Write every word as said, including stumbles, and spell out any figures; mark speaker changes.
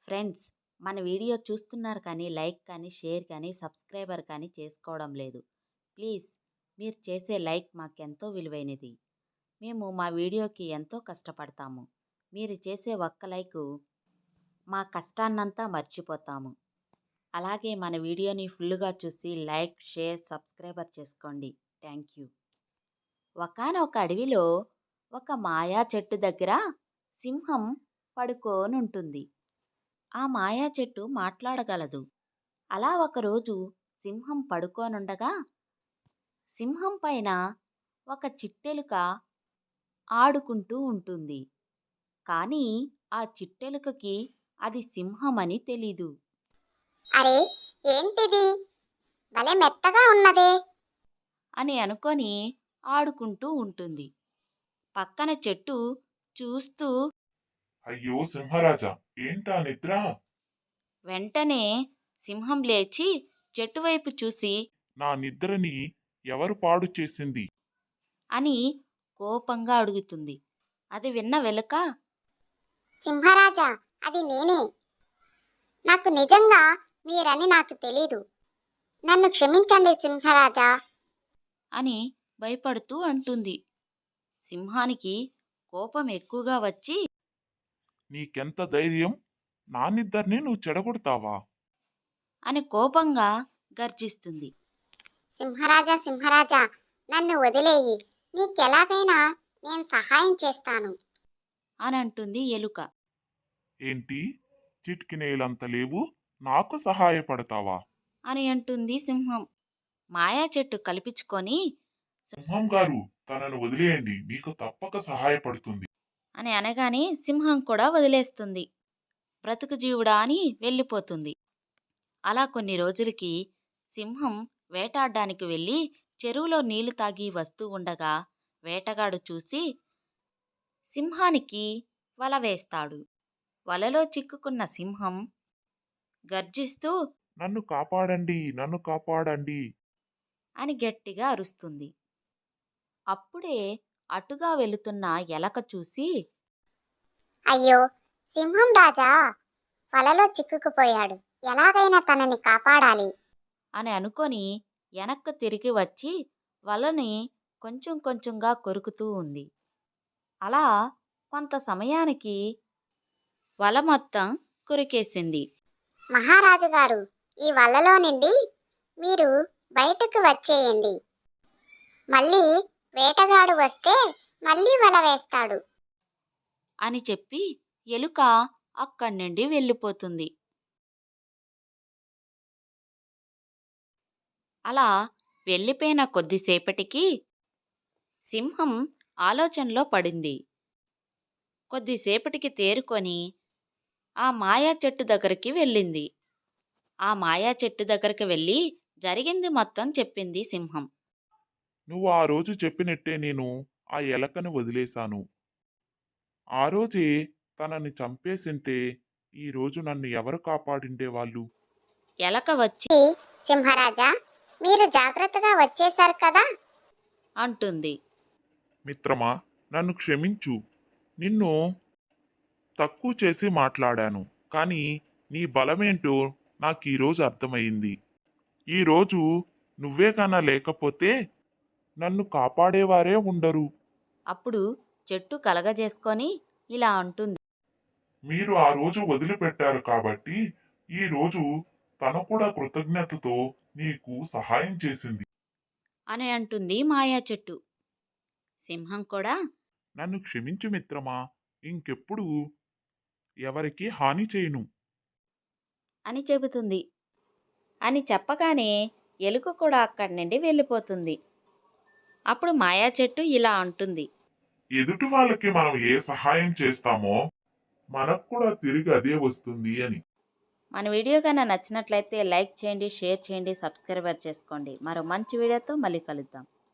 Speaker 1: Friends, మన video చూస్తున్నారు కానీ లైక్ కానీ షేర్ కానీ సబ్స్క్రైబర్ కానీ చేసుకోవడం లేదు. ప్లీజ్ మీరు చేసే లైక్ మాకెంతో విలువైనది. మేము మా వీడియోకి ఎంతో కష్టపడతాము. మీరు చేసే ఒక్క లైకు మా కష్టాన్నంతా మర్చిపోతాము. అలాగే మన వీడియోని ఫుల్గా చూసి లైక్ షేర్ సబ్స్క్రైబర్ చేసుకోండి. Thank you. ఒకానొక అడవిలో ఒక మాయా చెట్టు దగ్గర సింహం పడుకోనుంటుంది. ఆ మాయా చెట్టు మాట్లాడగలదు. అలా ఒకరోజు సింహం పడుకోనుండగా సింహం పైన ఒక చిట్టెలుక ఆడుకుంటూ ఉంటుంది. కానీ ఆ చిట్టెలుకకి అది సింహమని తెలీదు.
Speaker 2: అరే, ఏంటిది భలే మెత్తగా ఉన్నదే
Speaker 1: అని అనుకొని ఆడుకుంటూ ఉంటుంది. పక్కన చెట్టు చూస్తూ
Speaker 3: అయ్యో సింహరాజా, ఏంటా నిద్ర?
Speaker 1: వెంటనే సింహం లేచి చెట్టు వైపు చూసి
Speaker 3: నా నిద్రని ఎవరు పాడు చేసింది?
Speaker 1: అని కోపంగా అడుగుతుంది. అది విన్న వెలుక
Speaker 2: సింహరాజా, అది నేనే. నాకు నిజంగా మీరని నాకు తెలీదు. నన్ను క్షమించండి సింహరాజా.
Speaker 1: అని భయపడుతూ అంటుంది. సింహానికి కోపం ఎక్కువగా వచ్చి
Speaker 3: నీకెంత ధైర్యం? నా నిద్రని నువ్వు చెడగొడతావా?
Speaker 1: అని కోపంగా గర్జిస్తుంది.
Speaker 2: సింహరాజా సింహరాజా, నన్ను వదిలేయి. నీకెలాగైనా నేను సహాయం చేస్తాను
Speaker 1: అని అంటుంది ఎలుక.
Speaker 3: ఏంటి, చిటికినేలంత లేవు, నాకు సహాయపడతావా?
Speaker 1: అని అంటుంది సింహం. మాయా చెట్టు కల్పించుకొని
Speaker 3: సింహం గారు, తనను వదిలేయండి, మీకు తప్పక సహాయపడుతుంది.
Speaker 1: అని అనగానే సింహం కూడా వదిలేస్తుంది. బ్రతుకు జీవుడా అని వెళ్ళిపోతుంది. అలా కొన్ని రోజులకి సింహం వేటాడడానికి వెళ్ళి చెరువులో నీళ్లు తాగి వస్తూ ఉండగా వేటగాడు చూసి సింహానికి వల వేస్తాడు. వలలో చిక్కుకున్న సింహం గర్జిస్తూ
Speaker 3: నన్ను కాపాడండి, నన్ను కాపాడండి.
Speaker 1: అని గట్టిగా అరుస్తుంది. అప్పుడే అటుగా వెళుతున్న ఎలక చూసి
Speaker 2: అయ్యో, సింహం రాజా వలలో చిక్కుకుపోయాడు. ఎలాగైనా తనని కాపాడాలి
Speaker 1: అని అనుకొని వెనక్కు తిరిగి వచ్చి వలని కొంచెం కొంచెంగా కొరుకుతూ ఉంది. అలా కొంత సమయానికి వల మొత్తం కొరికేసింది.
Speaker 2: మహారాజు గారు, ఈ వలలో నుండి మీరు బయటకు వచ్చేయండి. మళ్ళీ వేటగాడు వస్తే మళ్ళీ వల వేస్తాడు
Speaker 1: అని చెప్పి ఎలుక అక్కడి నుండి వెళ్ళిపోతుంది. అలా వెళ్ళిపోయిన కొద్దిసేపటికి సింహం ఆలోచనలో పడింది. కొద్దిసేపటికి తేరుకొని ఆ మాయా చెట్టు దగ్గరికి వెళ్ళింది. ఆ మాయా చెట్టు దగ్గరికి వెళ్ళి జరిగింది మొత్తం చెప్పింది సింహం.
Speaker 3: నువ్వు ఆ రోజు చెప్పినట్టే నేను ఆ ఎలకను వదిలేశాను. ఆ రోజే తనని చంపేసింటే ఈ రోజు నన్ను ఎవరు కాపాడిండేవాళ్ళు?
Speaker 1: ఎలక వచ్చి
Speaker 2: సింహరాజా, మీరు జాగ్రత్తగా వచ్చేశారు కదా
Speaker 1: అంటుంది.
Speaker 3: మిత్రమా, నన్ను క్షమించు. నిన్ను తక్కువ చేసి మాట్లాడాను, కానీ నీ బలమేంటో నాకు ఈరోజు అర్థమైంది. ఈరోజు నువ్వే కన్నా లేకపోతే నన్ను కాపాడేవారే ఉండరు.
Speaker 1: అప్పుడు చెట్టు కలగజేసుకొని ఇలా అంటుంది.
Speaker 3: మీరు ఆ రోజు వదిలిపెట్టారు కాబట్టి ఈ రోజు తను కూడా కృతజ్ఞతతో నీకు సహాయం చేసింది
Speaker 1: అని అంటుంది మాయా చెట్టు. సింహం కూడా
Speaker 3: నన్ను క్షమించు మిత్రమా, ఇంకెప్పుడు ఎవరికి హాని చేయను
Speaker 1: అని చెబుతుంది. అని చెప్పగానే ఎలుక కూడా అక్కడి నుండి వెళ్ళిపోతుంది. అప్పుడు మాయా చెట్టు ఇలా అంటుంది.
Speaker 3: ఎదుటి వాళ్ళకి మనం ఏ సహాయం చేస్తామో మనకు కూడా తిరిగి అదే వస్తుంది అని.
Speaker 1: మన వీడియో కన్నా నచ్చినట్లయితే లైక్ చేయండి, షేర్ చేయండి, సబ్స్క్రైబర్ చేసుకోండి. మరో మంచి వీడియోతో మళ్ళీ కలుద్దాం.